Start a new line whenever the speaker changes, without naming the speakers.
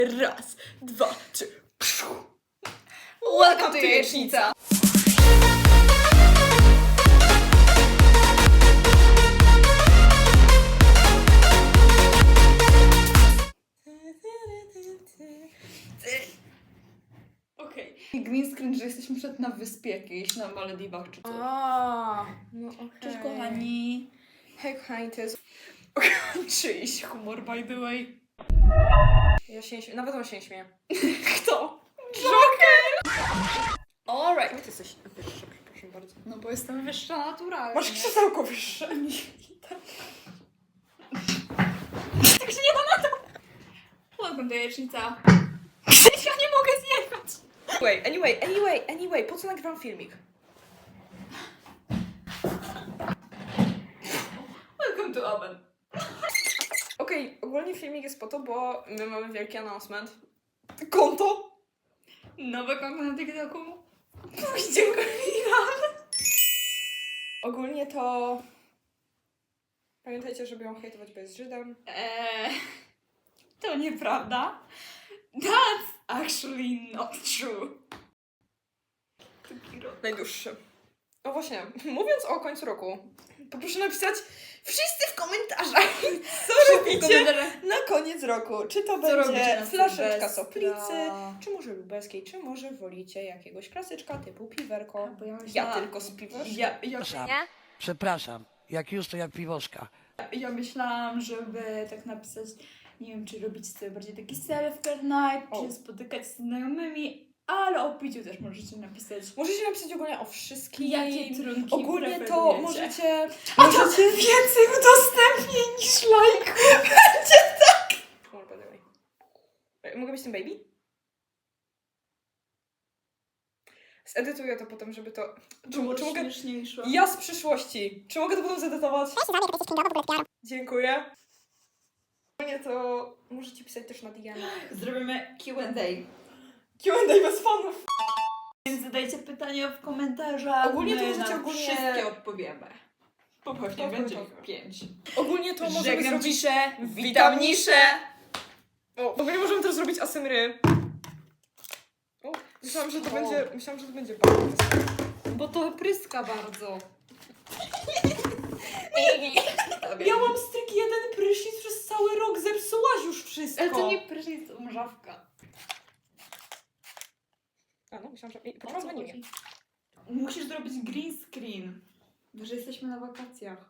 Raz, dwa, trzy.
Welcome to Jajecznica!
Okej.
Green screen, że jesteśmy przed na wyspie jakiejś, na Malediwach czy coś.
No okej.
Cześć kochani. Hej kochani, to jest...
Czyjś humor, by the way.
Ja się nie śmieję, nawet on się nie śmieje.
Kto?
Alright. Ty jesteś wyższa, przepraszam bardzo.
No bo jestem wyższa naturalnie.
Masz krzesełko wyższe.
Tak się nie da na to. Welcome to Jajecznica. Ja nie mogę zjechać.
Anyway, po co nagrywam filmik?
Welcome to oven.
Okej, ogólnie filmik jest po to, bo my mamy wielki announcement. Konto!
Nowe konto na TikToku.
Pójdziemy Ogólnie to... Pamiętajcie, żeby ją hejtować, bo jest Żydem.
To nieprawda. That's actually not true.
Najdłuższy. No właśnie, mówiąc o końcu roku, poproszę napisać wszyscy w komentarzach, co robicie na koniec roku. Czy to będzie
robicie na
flaszeczka
Sylwestra?
soplicy, czy może lubelskiej, czy może wolicie jakiegoś klasyczka typu piwerko.
Bo ja
Ja
myślałam-
tylko z piwem.
Przepraszam, jak już to jak piwoszka.
Ja myślałam, żeby tak napisać, nie wiem, czy robić sobie bardziej taki self-care night,
O.
czy spotykać się z znajomymi, ale o piciu też możecie napisać.
Możecie napisać ogólnie o wszystkim.
Jakie trunki
Ogólnie to
preferujecie.
możecie...
Możecie więcej udostępnień niż lajków.
Mogę być tym baby? Zedytuję to potem, żeby to... Czy mogę...
śmieszniejsze.
Ja z przyszłości. Czy mogę to potem zedytować? Dziękuję. Ogólnie to możecie pisać też na DM.
Zrobimy Q&A.
Q&A bez fanów.
Więc zadajcie pytania w komentarzach.
Ogólnie to
my
możecie
na
ogólnie-
wszystkie odpowiemy. Poważnie,
Tak,
będzie
tak.
ich 5.
Ogólnie to możemy
Żegnam
zrobić...
ciszę,
witam niszę. O, ogólnie możemy też zrobić asymry. O, myślałam, że to będzie bardzo.
Bo to pryska bardzo.
Ja mam stryk jeden prysznic przez cały rok, zepsułaś już wszystko.
Ale to nie prysznic, to mrzawka.
A no, myślałam, że... Poczekaj, dzwoni mnie.
Musisz zrobić green screen. Że jesteśmy na wakacjach.